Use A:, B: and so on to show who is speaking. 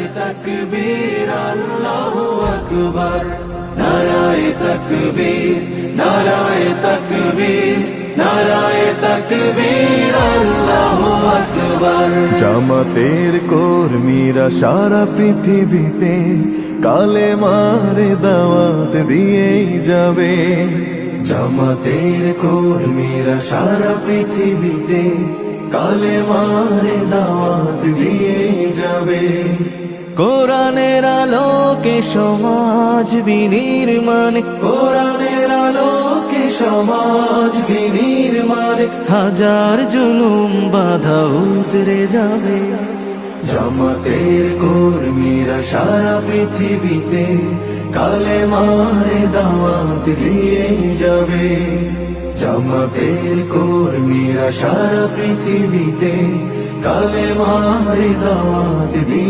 A: তাকবীর আল্লাহু আকবার, নারায়ে তাকবীর, নারায়ে তাকবীর, নারায়ে তাকবীর আল্লাহু আকবার।
B: জামাতের কর্মীরা সারা পৃথিবীতে কালেমার দাওয়াত দিয়েই যাবে।
A: জামাতের কর্মীরা সারা পৃথিবীতে কালেমার দাওয়াত দিয়ে যাবে।
B: কোরআনের আলোকে সমাজ বিনির্মাণ,
A: কোরআনের আলোকে সমাজ বিনির্মাণ,
B: হাজার জুলুম বাধা উতরে যাবে।
A: জামাতের কর্মীরা সারা পৃথিবীতে কালেমার দাওয়াত দিয়ে যাবে। জামাতের কর্মীরা সারা পৃথিবীতে কালেমার দাওয়াত দিয়ে